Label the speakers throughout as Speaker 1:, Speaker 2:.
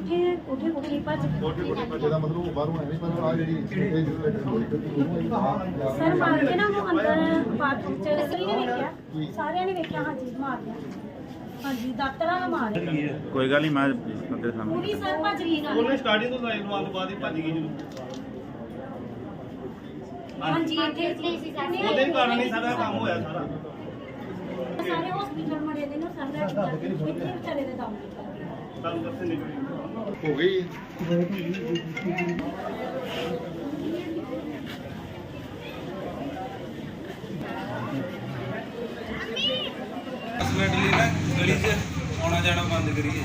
Speaker 1: कोठे कोठे कोठे भज
Speaker 2: ਜਿਹਦਾ ਮਤਲਬ ਉਹ ਬਾਹਰੋਂ ਐਵੇਂ ਪਰ ਆ ਜਿਹੜੀ
Speaker 1: सर मार के ना वो अंदर बाथरूम च नहीं देखा सारे ने देखा हाँ जी मार दिया हाँ जी दातरा ना मार
Speaker 3: कोई गल नहीं मैं तेरे सामने
Speaker 1: पूरी सर भज गई ना
Speaker 4: ਉਹਨੇ ਸਟਾਰਟਿੰਗ ਤੋਂ ਲਾਈਨ ਲਵਾਉਣ ਤੋਂ ਬਾਅਦ ਹੀ ਭੱਜ ਗਈ ਜਦੋਂ
Speaker 1: हाँ जी इतने
Speaker 4: ਉਹਦੇ ਕਾਰਨ ਹੀ ਸਾਰਾ ਕੰਮ ਹੋਇਆ ਸਾਰਾ
Speaker 1: सारे हॉस्पिटल में रहते ना सारे इतने बेचारे दे दम
Speaker 4: ਤੁਹਾਨੂੰ ਦੱਸੇ ਨਿਕਲੀ
Speaker 2: ਹੋ ਗਈ
Speaker 5: ਮਿੰਟਲੀ ਨਾ ਗਲੀ 'ਚ ਆਉਣਾ ਜਾਣਾ ਬੰਦ ਕਰੀਏ।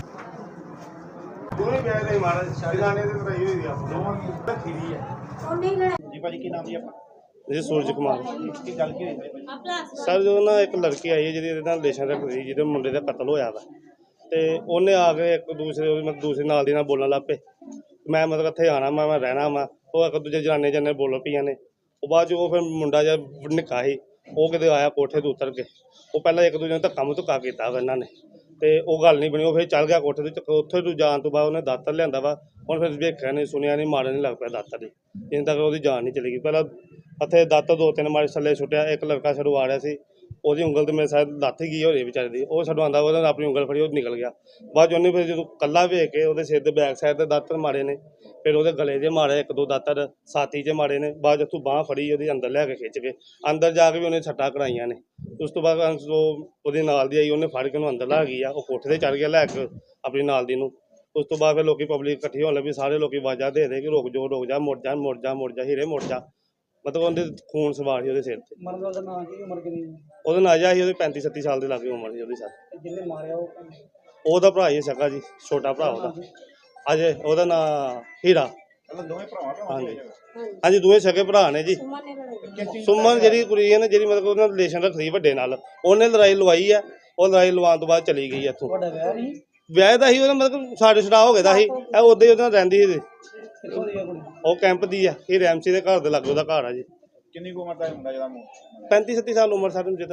Speaker 4: ਦੋਵੇਂ ਬੈਗ ਦੇ ਮਾਰ ਜਗਾਣੇ ਦੇ ਤਰਾਈ ਹੋਈ ਆ ਦੋਵਾਂ ਦੀ ਖੀਰੀ ਹੈ
Speaker 1: और नहीं लड़ा
Speaker 4: ਜੀ ਭਾਜੀ ਕੀ ਨਾਮ ਜੀ ਆਪਣਾ ਜੀ ਸੂਰਜ ਕੁਮਾਰ ਕੀ ਗੱਲ ਕੀ ਹੋਈ ਭਾਜੀ
Speaker 1: अपना
Speaker 4: ਸਰ ਜਦੋਂ ਨਾ ਇੱਕ ਲੜਕੀ ਆਈ ਹੈ ਜਿਹਦੀ ਇਹਦੇ ਨਾਲ ਰਿਲੇਸ਼ਨ ਰੱਖਦੀ ਜਿਹਦੇ ਮੁੰਡੇ ਦਾ ਕਤਲ ਹੋਇਆ ਵਾ ਤੇ ਉਹਨੇ ਆ ਕੇ ਇੱਕ ਦੂਸਰੇ ਉਹਦੇ ਮਤਲਬ ਦੂਸਰੇ ਨਾਲ ਦੀ ਨਾਲ ਬੋਲਣ ਲੱਗ ਪਏ ਮੈਂ ਮਤਲਬ ਇੱਥੇ ਆਣਾ ਮੈਂ ਰਹਿਣਾ ਵਾ ਉਹ ਇੱਕ ਦੂਜੇ ਜਨਾਨੇ ਜਨੇ ਬੋਲ ਪਈਆਂ ਨੇ ਉਹ ਬਾਅਦ 'ਚ ਉਹ ਫਿਰ ਮੁੰਡਾ ਜਿਹਾ ਨਿੱਕਾ ਸੀ ਉਹ ਕਿਤੇ ਆਇਆ ਕੋਠੇ ਤੋਂ ਉਤਰ ਕੇ ਉਹ ਪਹਿਲਾਂ ਇੱਕ ਦੂਜੇ ਨੂੰ ਧੱਕਾ ਮੁੱਕਾ ਕੀਤਾ ਵਾ ਇਹਨਾਂ ਨੇ ਤੇ ਉਹ ਗੱਲ ਨਹੀਂ ਬਣੀ ਉਹ ਫਿਰ ਚੱਲ ਗਿਆ ਕੋਠੇ ਤੋਂ ਉੱਥੇ ਤੋਂ ਜਾਣ ਤੋਂ ਬਾਅਦ ਉਹਨੇ ਦਾਤਰ ਲਿਆਂਦਾ ਵਾ ਹੁਣ ਫਿਰ ਵੇਖਿਆ ਨਹੀਂ ਸੁਣਿਆ ਨਹੀਂ ਮਾਰਨ ਨਹੀਂ ਲੱਗ ਪਿਆ ਦਾਤਰ ਦੀ ਜਿੰਨ ਤੱਕ ਉਹਦੀ ਜਾਨ ਨਹੀਂ ਚਲੀ ਗਈ ਪਹਿਲਾਂ ਇੱਥੇ ਦਾਤਰ ਦੋ ਤਿੰਨ ਮਾਰੇ ਥੱਲੇ ਸੁੱਟਿਆ ਇੱਕ ਲੜਕਾ ਛੜੂ ਆ ਰਿਹਾ ਸੀ ਉਹਦੀ ਉਂਗਲ ਤੇ ਮੇਰੇ ਸਾਥ ਲੱਥ ਗਈ ਹੋ ਰਹੀ ਵਿਚਾਰੇ ਦੀ ਉਹ ਛੱਡੋਂ ਆਉਂਦਾ ਉਹਨੇ ਆਪਣੀ ਉਂਗਲ ਫੜੀ ਉਹ ਨਿਕਲ ਗਿਆ ਬਾਅਦ 'ਚ ਉਹਨੇ ਫਿਰ ਜਦੋਂ ਕੱਲਾ ਵੇਖ ਕੇ ਉਹਦੇ ਸਿਰ ਦੇ ਬੈਕ ਸਾਈਡ ਤੇ ਦਾਤਰ ਮਾਰੇ ਨੇ ਫਿਰ ਉਹਦੇ ਗਲੇ 'ਚ ਮਾਰੇ ਇੱਕ ਦੋ ਦਾਤਰ ਛਾਤੀ 'ਚ ਮਾਰੇ ਨੇ ਬਾਅਦ 'ਚ ਉੱਥੋਂ ਬਾਂਹ ਫੜੀ ਉਹਦੀ ਅੰਦਰ ਲੈ ਕੇ ਖਿੱਚ ਕੇ ਅੰਦਰ ਜਾ ਕੇ ਵੀ ਉਹਨੇ ਛੱਟਾਂ ਕਰਾਈਆਂ ਨੇ ਉਸ ਤੋਂ ਬਾਅਦ ਉਹਦੇ ਨਾਲ ਦੀ ਆਈ ਉਹਨੇ ਫੜ ਕੇ ਉਹਨੂੰ ਅੰਦਰ ਲਾ ਗਈ ਆ ਉਹ ਕੋਠੇ 'ਤੇ ਚੜ੍ਹ ਗਿਆ ਲੈ ਕੇ ਆਪਣੀ ਨਾਲ ਦੀ ਨੂੰ ਉਸ ਤੋਂ ਬਾਅਦ ਫਿਰ ਲੋਕੀ ਪਬਲਿਕ ਇਕੱਠੀ ਹੋਣ ਲੱਗੀ ਸਾਰੇ ਲੋਕੀ ਆਵਾਜ਼ਾਂ ਦੇ ਦੇ ਕਿ ਰੁਕ ਜਾ ਮੁੜ ਜਾ ਮੁੜ ਜਾ ਮੁੜ ਜਾ ਹੀਰੇ ਮੁੜ ਜਾ ਮਤਲਬ ਉਹਦੇ ਖੂਨ ਸਵਾਰ ਸੀ ਉਹਦੇ ਸਿਰ ਤੇ
Speaker 6: ਮਰਨ ਦਾ ਨਾਂ ਕੀ ਉਮਰ ਕਿੰਨੀ
Speaker 4: ਉਹਦਾ ਨਾਜਾ ਸੀ ਉਹਦੀ 35 37 ਸਾਲ ਦੇ ਲਾਗੇ ਉਮਰ ਸੀ ਉਹਦੀ ਸਰ
Speaker 6: ਜਿਹਨੇ ਮਾਰਿਆ ਉਹ
Speaker 4: ਉਹਦਾ ਭਰਾ ਹੀ ਸਕਾ ਜੀ ਛੋਟਾ ਭਰਾ ਉਹਦਾ ਅਜੇ ਉਹਦਾ ਨਾਂ ਹੀਰਾ
Speaker 2: ਦੋਵੇਂ ਭਰਾਵਾਂ
Speaker 4: ਹਾਂਜੀ ਹਾਂਜੀ ਦੋਵੇਂ ਸਕੇ ਭਰਾ ਨੇ ਜੀ ਸੁਮਨ ਜਿਹੜੀ ਕੁੜੀ ਹੈ ਨਾ ਜਿਹੜੀ ਮਤਲਬ ਉਹਨਾਂ ਰਿਲੇਸ਼ਨ ਰੱਖਦੀ ਵੱਡੇ ਨਾਲ ਉਹਨੇ ਲੜਾਈ ਲਵਾਈ ਆ ਉਹ ਲੜਾਈ ਲਵਾਉਣ ਤੋਂ ਬਾਅਦ ਚਲੀ ਗਈ ਇੱਥੋਂ
Speaker 6: ਤੁਹਾਡਾ ਵਿਆਹ ਨਹੀਂ
Speaker 4: ਵਿਆਹ ਦਾ ਸੀ ਉਹਦਾ ਮਤਲਬ ਸਾਡੇ ਛੜਾ ਹੋ ਗਿਆ ਦਾ ਸੀ ਇਹ ਉਦੋਂ ਹੀ ਉਹਦੇ ਨਾਲ ਰਹਿੰਦੀ ਸੀ
Speaker 6: ਕਿੱਥੋਂ ਦੀ ਆ ਕੁੜੀ
Speaker 4: ਉਹ ਕੈਂਪ ਦੀ ਆ ਇਹ ਰੈਮਸੀ ਦੇ ਘਰ ਦੇ ਲਾਗੇ ਉਹਦਾ ਘਰ ਆ ਜੀ
Speaker 2: ਕਿੰਨੀ ਕੁ ਉਮਰ ਦਾ ਮੁੰਡਾ ਜਿਹਦਾ
Speaker 4: 35 37 ਸਾਲ ਉਮਰ ਸਾਡੇ ਨੂੰ ਜਿੱਦਾਂ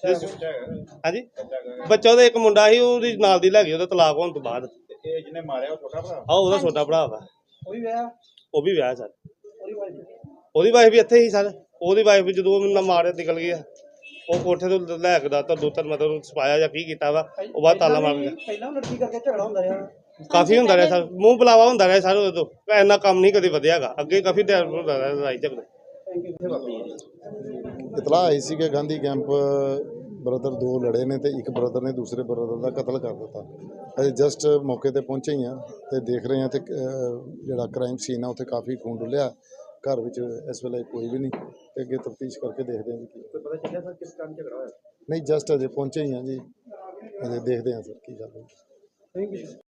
Speaker 4: ਹਾਂਜੀ ਬੱਚਾ ਉਹਦਾ ਇੱਕ ਮੁੰਡਾ ਸੀ ਉਹਦੀ ਨਾਲ ਦੀ ਲੈ ਗਈ ਉਹਦਾ ਤਲਾਕ ਹੋਣ ਤੋਂ ਬਾਅਦ
Speaker 2: ਇਹ ਜਿਹਨੇ ਮਾਰਿਆ ਉਹ ਛੋਟਾ ਭਰਾ
Speaker 4: ਆ ਉਹਦਾ ਛੋਟਾ ਭਰਾ ਵਾ
Speaker 6: ਉਹ ਵੀ ਵਿਆਹ
Speaker 4: ਉਹ ਵੀ ਵਿਆਹ ਸਰ
Speaker 6: ਉਹਦੀ ਵਾਈਫ
Speaker 4: ਉਹਦੀ ਵਾਈਫ ਵੀ ਇੱਥੇ ਹੀ ਸਰ ਉਹਦੀ ਵਾਈਫ ਵੀ ਜਦੋਂ ਮੈਨੂੰ ਮਾਰਿਆ ਨਿਕਲ ਗਈ ਆ ਉਹ ਕੋਠੇ ਤੋਂ ਲੈ ਕੇ ਦਾ ਤਾਂ ਦੋ ਤਿੰਨ ਮਤਲਬ ਸਪਾਇਆ ਜਾਂ ਕੀ ਕੀਤਾ ਵਾ ਉਹ ਬਾਅਦ ਤਾਲਾ ਮਾਰ ਗਿਆ
Speaker 6: ਪਹਿਲਾਂ ਲੜਕੀ ਕਰਕੇ ਝਗੜਾ ਹੁੰਦਾ ਰਿਹਾ
Speaker 4: ਕਾਫੀ ਹੁੰਦਾ ਰਿਹਾ ਸਰ ਮੂੰਹ ਬੁਲਾਵਾ ਹੁੰਦਾ ਰਿਹਾ ਸਰ ਉਦੋਂ ਇੰਨਾ ਕੰਮ ਨਹੀਂ ਕਦੇ ਵਧਿਆਗਾ ਅੱਗੇ ਕਾਫੀ ਟਾਈਮ ਹੁੰਦਾ ਰਿਹਾ ਲੜਾਈ ਝਗੜੇ
Speaker 2: ਇਤਲਾਹ ਆਈ ਸੀ ਕਿ ਗਾਂਧੀ ਕੈਂਪ ਬ੍ਰਦਰ ਦੋ ਲੜੇ ਨੇ ਤੇ ਇੱਕ ਬ੍ਰਦਰ ਨੇ ਦੂਸਰੇ ਬ੍ਰਦਰ ਦਾ ਕਤਲ ਕਰ ਦਿੱਤਾ ਅਸੀਂ ਜਸਟ ਮੌਕੇ ਤੇ ਪਹੁੰਚੇ ਹੀ ਆ ਤੇ ਦੇਖ ਰਹੇ ਆ ਤੇ ਜਿਹੜਾ ਕ੍ਰਾਈਮ ਸੀਨ ਆ ਉੱਥੇ ਕਾਫੀ ਖੂਨ ਡੁੱਲਿਆ ਘਰ ਵਿੱਚ ਇਸ ਵੇਲੇ ਕੋਈ ਵੀ ਨਹੀਂ ਤੇ ਅੱਗੇ ਤਫਤੀਸ਼ ਕਰਕੇ ਦੇਖਦੇ ਹਾਂ ਜੀ ਕੀ ਪਤਾ ਚੱਲਿਆ ਸਰ ਕਿਸ ਕਾਰਨ ਝਗੜਾ ਹੋਇਆ ਨਹੀਂ ਜਸਟ ਅਜੇ ਪਹੁੰਚੇ ਹੀ ਆ ਜੀ ਅਜੇ ਦੇਖਦੇ ਹਾਂ ਸਰ ਕੀ ਗੱਲ ਹੋਈ।
Speaker 6: Thank you